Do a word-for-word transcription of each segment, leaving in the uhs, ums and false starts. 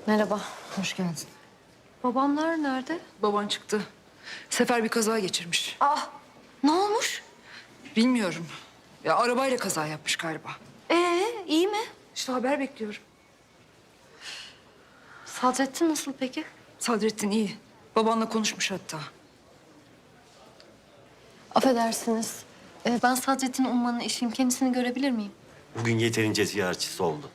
Merhaba. Hoş geldin. Babamlar nerede? Baban çıktı. Sefer bir kaza geçirmiş. Ah, ne olmuş? Bilmiyorum. Ya arabayla kaza yapmış galiba. Ee, iyi mi? İşte haber bekliyorum. Sadrettin nasıl peki? Sadrettin iyi. Babanla konuşmuş hatta. Affedersiniz. Ee, ben Sadrettin Umman'ın eşiyim. Kendisini görebilir miyim? Bugün yeterince ziyaretçisi oldu.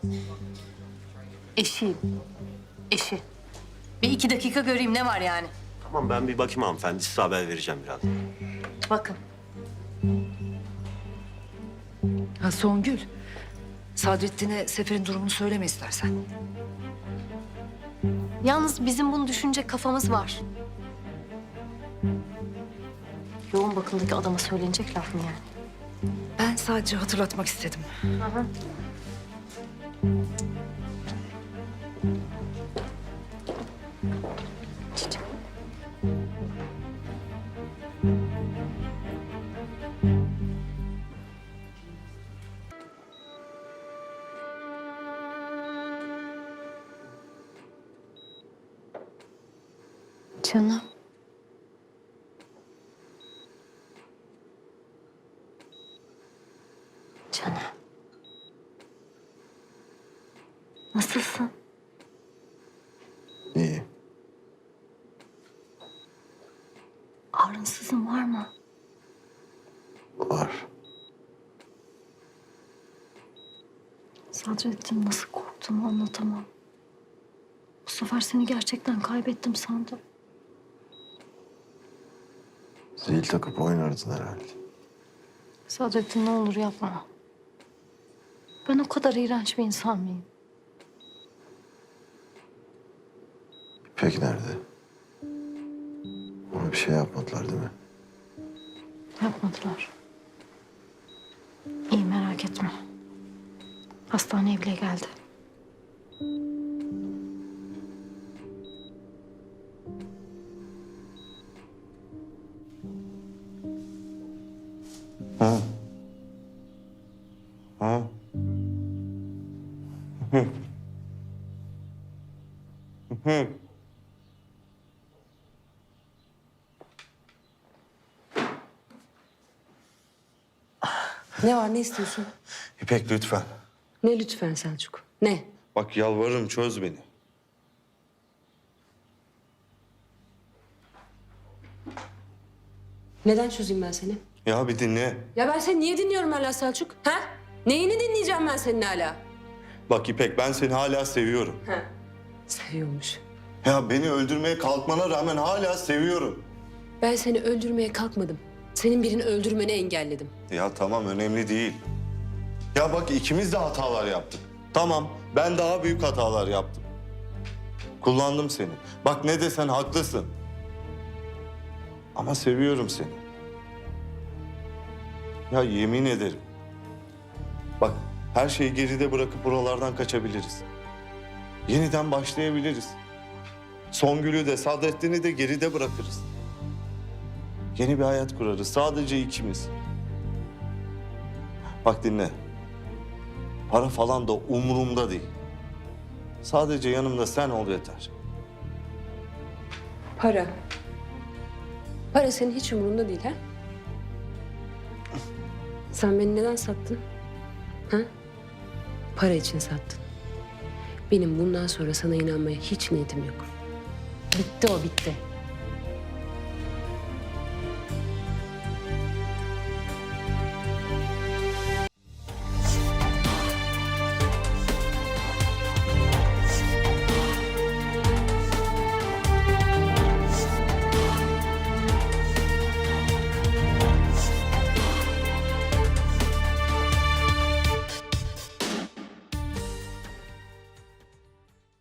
Eşiyim. Eşi. Bir iki dakika göreyim ne var yani? Tamam ben bir bakayım hanımefendi. Size haber vereceğim biraz. Bakın. Ha Songül. Sadrettin'e Sefer'in durumunu söyleme istersen. Yalnız bizim bunu düşünecek kafamız var. Yoğun bakımdaki adama söylenecek laf mı yani? Ben sadece hatırlatmak istedim. Hı hı. Çiçek. Canım. Canım. Nasılsın? İyi. Ağrınsızın var mı? Var. Sadrettin nasıl korktuğumu anlatamam. Bu sefer seni gerçekten kaybettim sandım. Zil takıp oynardın herhalde. Sadrettin ne olur yapma. Ben o kadar iğrenç bir insan mıyım? İpek nerede? Ona bir şey yapmadılar değil mi? Yapmadılar. İyi merak etme. Hastaneye bile geldi. Ha? Ha? Hı. Hı. Ne var, ne istiyorsun? İpek lütfen. Ne lütfen Selçuk? Ne? Bak yalvarırım çöz beni. Neden çözeyim ben seni? Ya bir dinle. Ya ben seni niye dinliyorum hala Selçuk? Ha? Neyini dinleyeceğim ben senin hala? Bak İpek ben seni hala seviyorum. Ha. Seviyormuş. Ya beni öldürmeye kalkmana rağmen hala seviyorum. Ben seni öldürmeye kalkmadım. Senin birini öldürmeni engelledim. Ya tamam önemli değil. Ya bak ikimiz de hatalar yaptık. Tamam ben daha büyük hatalar yaptım. Kullandım seni. Bak ne desen haklısın. Ama seviyorum seni. Ya yemin ederim. Bak her şeyi geride bırakıp buralardan kaçabiliriz. Yeniden başlayabiliriz. Songül'ü de Sadrettin'i de geride bırakırız. Yeni bir hayat kurarız sadece ikimiz. Bak dinle. Para falan da umurumda değil. Sadece yanımda sen ol yeter. Para. Para senin hiç umurunda değil ha? Sen beni neden sattın? Ha? Para için sattın. Benim bundan sonra sana inanmaya hiç niyetim yok. Bitti o, bitti.